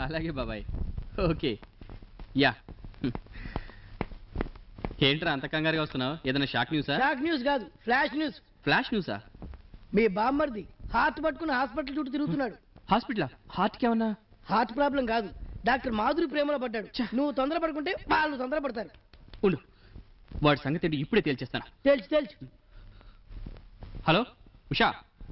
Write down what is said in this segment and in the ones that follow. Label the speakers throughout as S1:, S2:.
S1: అలాగే బాబాయ్. Okay. Yeah. ఏంట్రా అంత కంగారుగా వస్తున్నావు? ఏదైనా షాక్ న్యూసా?
S2: షాక్ న్యూస్ కాదు, ఫ్లాష్ న్యూస్.
S1: ఫ్లాష్ న్యూసా?
S2: మీ బామ్మర్ది హార్ట్ పట్టుకుని హాస్పిటల్ చుట్టూ తిరుగుతున్నాడు.
S1: హాస్పిటలా? హార్ట్కి ఏమన్నా?
S2: హార్ట్ ప్రాబ్లం కాదు, డాక్టర్ మాధురి ప్రేమలో పడ్డాడు. నువ్వు తొందరపడుకుంటే వాళ్ళు తొందరపడతారు.
S1: ఉండు, వాడి సంగతి ఏంటి ఇప్పుడే తేల్చేస్తాను.
S2: తెలుసు.
S1: హలో ఉషా.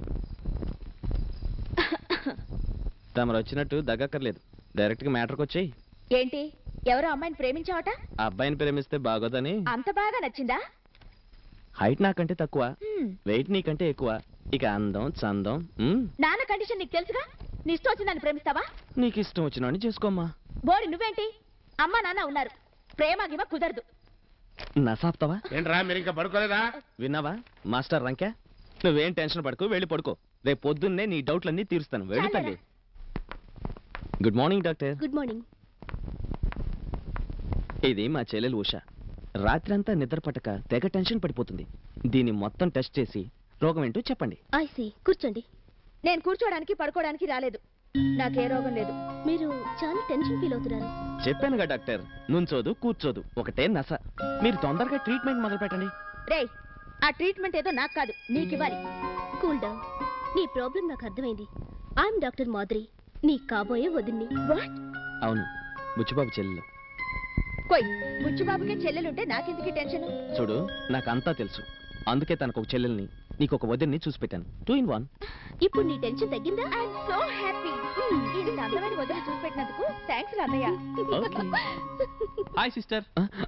S3: తమరు వచ్చినట్టు దగ్గక్కర్లేదు, డైరెక్ట్ గా మ్యాటర్కి వచ్చేయి.
S4: ఏంటి, ఎవరో అమ్మాయిని ప్రేమించావట?
S3: ఆ అబ్బాయిని ప్రేమిస్తే బాగోదని.
S4: అంత బాగా నచ్చిందా?
S3: హైట్ నాకంటే తక్కువ, వెయిట్ నీకంటే ఎక్కువ, ఇక అందం చందం.
S4: నాన్న కండిషన్ నీకు తెలుసుగా. నీ ఇష్టం వచ్చి నన్ను ప్రేమిస్తావా?
S3: నీకు ఇష్టం వచ్చిన చేసుకోమ్మా.
S4: బోడి నువ్వేంటి? అమ్మా నాన్న ఉన్నారు, ప్రేమ గిమ కుదరదు.
S3: నసాప్తావా?
S5: ఏంట్రా మీరు ఇంకా పడుకోలేదా?
S3: విన్నావా మాస్టర్ రంకే? నువ్వేం టెన్షన్ పడుకో, వెళ్ళి పడుకో. రేపు పొద్దున్నే నీ డౌట్లన్నీ తీరుస్తాను. వెళ్ళి తల్లి. Good morning doctor.
S4: Good morning.
S3: ఇది మా చెల్లెలు ఉష. రాత్రంతా నిద్ర పట్టక తెగ టెన్షన్ పడిపోతుంది. దీన్ని మొత్తం టెస్ట్ చేసి రోగం ఏంటో చెప్పండి.
S4: ఐసి కూర్చోండి. నేను కూర్చోడానికి పడుకోవడానికి రాలేదు. నాకే రోగం లేదు. మీరు చాలా టెన్షన్ ఫీల్ అవుతున్నారు.
S3: చెప్పానుగా డాక్టర్, నుంచోదు కూర్చోదు, ఒకటే నస. మీరు తొందరగా ట్రీట్మెంట్ మొదలు పెట్టండి.
S4: రేయ్, ఆ ట్రీట్మెంట్ ఏదో నాకు కాదు, నీకు ఇవ్వాలి. Cool down. నీ ప్రాబ్లం నాకు అర్థమైంది. ఐఎమ్ డాక్టర్ మాధురి, నీ కాబోయే వదిన్ని. వాట్?
S3: అవును, బుచ్చిబాబు చెల్లెలు.
S4: కొయ్, బుచ్చిబాబుకే చెల్లెలుంటే నాకెందుకు టెన్షన్?
S3: చూడు, నాకంతా తెలుసు. అందుకే తనకు ఒక చెల్లెల్ని, నీకు ఒక వదిన్ని చూసి పెట్టాను. 2 in 1.
S4: ఇప్పుడు నీ టెన్షన్ తగ్గిందా? I'm so happy. ఇది అందమైన వదిలి చూసి పెట్టినందుకు థ్యాంక్స్ అన్నయ్య.
S1: Hi sister.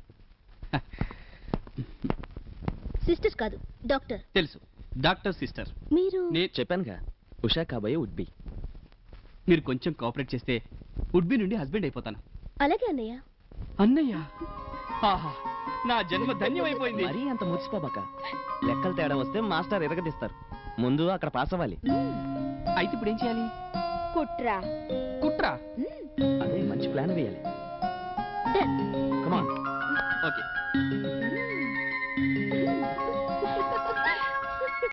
S4: సిస్టర్స్ కాదు, డాక్టర్.
S1: తెలుసు, డాక్టర్ సిస్టర్.
S4: మీరు?
S3: నేను చెప్పానుగా, ఉషా కాబోయే వుడ్ బి.
S1: మీరు కొంచెం కోఆపరేట్ చేస్తే వుడ్ బి నుండి హస్బెండ్ అయిపోతాను.
S4: అలాగే అన్నయ్య.
S1: అన్నయ్య, ఆహా, నా జన్మ ధన్యమైపోయింది.
S3: మరీ అంత మురిసిపోబాక. లెక్కలు తేడా వస్తే మాస్టర్ ఎరగదీస్తారు. ముందు అక్కడ పాస్ అవ్వాలి.
S1: అయితే ఇప్పుడు ఏం చేయాలి?
S4: కుట్రా.
S1: కుట్రా?
S3: అదే మంచి ప్లాన్ వేయాలి. కమాన్.
S1: ఓకే.